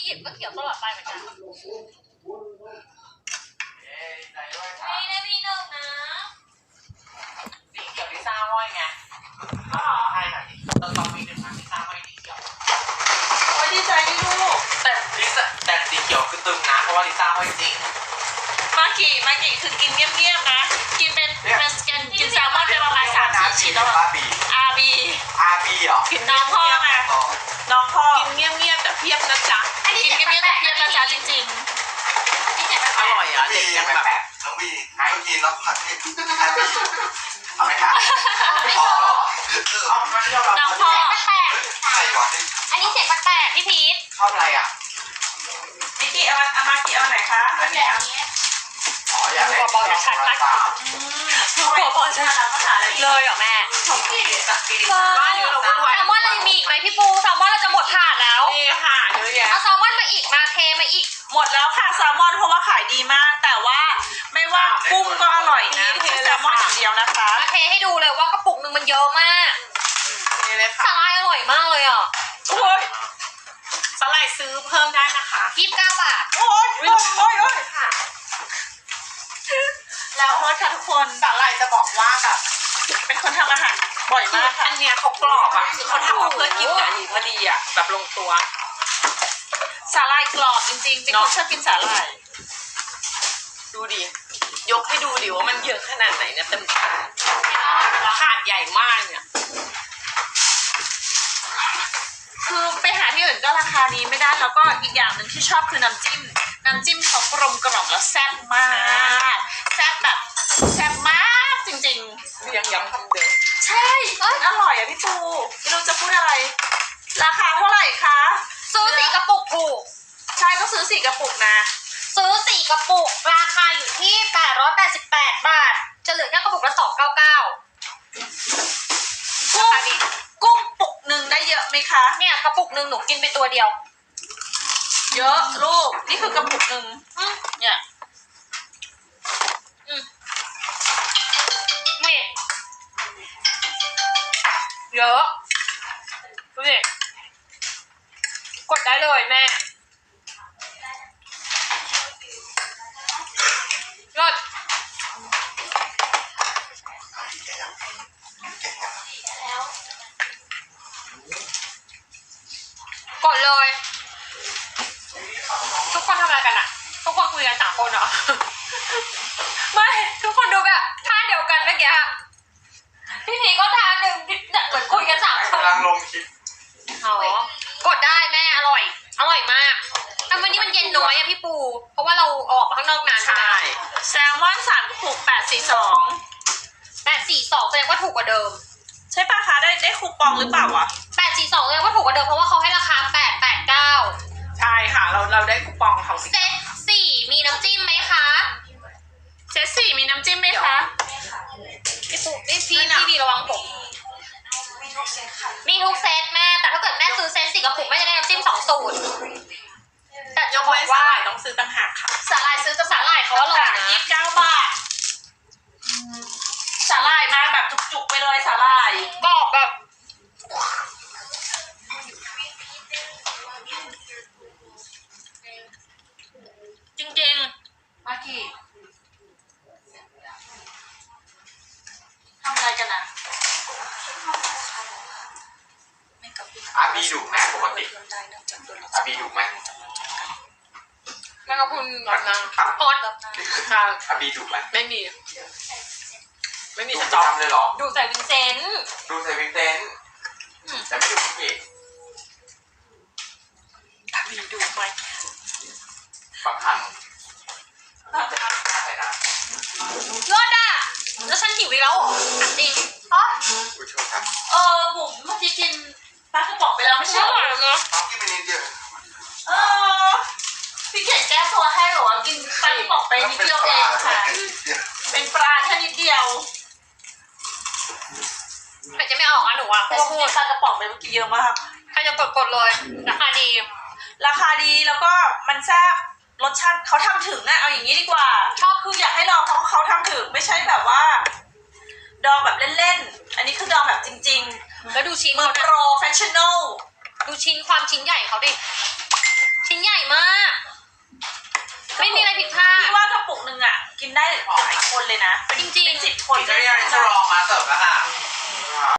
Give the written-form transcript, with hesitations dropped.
บก็เขียวตลอดไปเหมือนกันนี่ได้พี่หนึ่งนะสีเขียวลิซ่าห้อยไงใช่ค่ะต้องมีหนึ่งนะลิซ่าห้อยสีเขียวโอ้ยดีใจดิลูกแต่สีเขียวคือตึงนะเพราะว่าลิซ่าห้อยจริงมากี่คือกินเงียบๆนะกินเป็นกินแซลมอนเป็นประมาณ3-4 ชิ้นแล้วอาบีเหรอกินน้องพ่อไงน้องพ่อกินเงียบๆแต่เพียบนะจ๊ะกินเงียบๆแต่เพียบนะจ๊ะจริงๆอร่อยอ่ะเด็กยังแบบน้องบีให้กินแล้วผัดให้เอาไหมคะน้องพ่อแปลกใช่หวานอันนี้เสียงแปลกพี่พีทชอบอะไรอ่ะนิกกี้เอามากี่เอาไหนคะอันนี้อ๋ออยากได้บอชัดมากบอชัดเลยเหรอแม่แซลมอนเรามีอีกไหมพี่ปูแซลมอนเราจะหมดถาดแล้วนี่ค่ะเยอะแยะเอาแซลมอนมาอีกมาเทมาอีกหมดแล้วค่ะแซลมอนเพราะว่าขายดีมากแต่ว่าไม่ว่ากุ้งก็อร่อยนะแซลมอนอย่างเดียวนะคะมาเทให้ดูเลยว่ากระปุกนึงมันเยอะมากสาหร่ายอร่อยมากเลยอ่ะโอ้ยสาหร่ายซื้อเพิ่มได้นะคะ 29 บาทโอ้ยค่ะแล้วโทษค่ะทุกคนสาหร่ายจะบอกว่าแบบเป็นคนทำอาหารบ่อยมากค่ะอันเนี้ยเขากรอบอ่ะคือเขาทำมาเพื่อกินกับอันนี้พอดีอ่ะแบบลงตัวสาหร่ายกรอบจริงๆเป็นคนชอบกินสาหร่ายดูดิยกให้ดูดิว่ามันเยอะขนาดไหนเนี่ยเต็มถาดถาดใหญ่มากเนี่ยคือไปหาที่อื่นก็ราคานี้ไม่ได้แล้วก็อีกอย่างหนึ่งที่ชอบคือน้ำจิ้มเขากลมกล่อมแล้วแซ่บมากแซ่บแบบแซ่บมากจริงๆยังย้ำคำเดิมใช่อร่อยอ่ะพี่ปูไม่รู้จะพูดอะไรราคาเท่าไหร่คะซื้อ4 กระปุกถูกใช่ก็ซื้อ4 กระปุกนะซื้อ4 กระปุกราคาอยู่ที่888 บาทจะเหลือแค่กระปุกละ299 กุ้งปุกหนึ่งได้เยอะไหมคะเนี่ยกระปุกหนึ่งหนูกินไปตัวเดียวเยอะลูกนี่คือกระปุกหนึ่งเนี่ยนี่เยอะดูดิกดได้เลยแม่ยอดกดเลยทุกคนทำอะไรกันอะทุกคนคุยกัน3 คนเหรอไม่ทุกคนดูแบบท่าเดียวกันเมื่อกี้พี่พีก็ท่าหนึ่งเหมือนคุยกัน3 คนกำลังลงคลิปกดได้แม่อร่อยมากแต่วันนี้มันเย็นน้อยอะพี่ปูเพราะว่าเราออกมาข้างนอกนานใช่แซลมอน3 กระปุก 842แสดงว่าถูกกว่าเดิมใช่ป่ะคะได้คูปองหรือเปล่าวะ 842แสดงว่าถูกกว่าเดิมเพราะว่าเขาให้ราคา889 ใช่ค่ะเราได้คูปองเขาเซต4มีน้ำจิ้มไหมคะเซต4มีน้ำจิ้มไหมคะพี่ปูพี่ระวังผมมีทุกเซตแม่แต่ถ้าเกิดแม่ซื้อเซต4 กระปุกแม่จะได้น้ำจิ้ม2 สูตรแต่ยกเว้นสาหร่ายต้องซื้อต่างหากค่ะสาหร่ายซื้อแต่สาหร่ายเขาอร่อยนะ 29 บาทสาหร่ายมาแบบจุกๆไปเลยสาหร่ายกรอบแบบจริงๆมากี่ทำอะไรกันนะอาบีดุไหมปกติอาบีดุไหมแม่ก็พูดแบบนั้นอดอาบีดุไหมไม่มีสต็อกเลยหรอดูใส่วินเซนต์แต่ไม่ดุพี่อาบีดุไหมบางครั้งอะไรนะยอดอ่ะแล้วฉันหิวอีกแล้วจริงอ๋อผู้ชมครับผมเมื่อกี้กินปลากระป๋องไปแล้วไม่ใช่หรอเนาะกินไปนิดเดียวพี่เขียนแก้ตัวให้หรอว่ากินปลากระป๋องไปนิดเดียวเองค่ะเป็นปลาแค่นิดเดียวแต่จะไม่ออกอ่ะหนูอ่ะเพราะพูดปลากระป๋องไปเมื่อกี้เยอะมากใครจะกดเลยราคาดีแล้วก็มันแซ่บรสชาติเขาทำถึงอะเอาอย่างนี้ดีกว่าชอบคืออยากให้ลองเขาทำถึงไม่ใช่แบบว่าดองแบบเล่นๆอันนี้คือดองแบบจริงๆแล้วดูชิ้นมือโปรเฟชชั่นอลดูความชิ้นใหญ่เขาดิชิ้นใหญ่มาก ไม่มีอะไรผิดพลาดพี่ว่ากระปุกหนึ่งอ่ะ กินได้หลายคนเลยนะจริงๆเป็น10 คนกินได้ยังจะลองมาเสิร์ฟแล้วค่ะ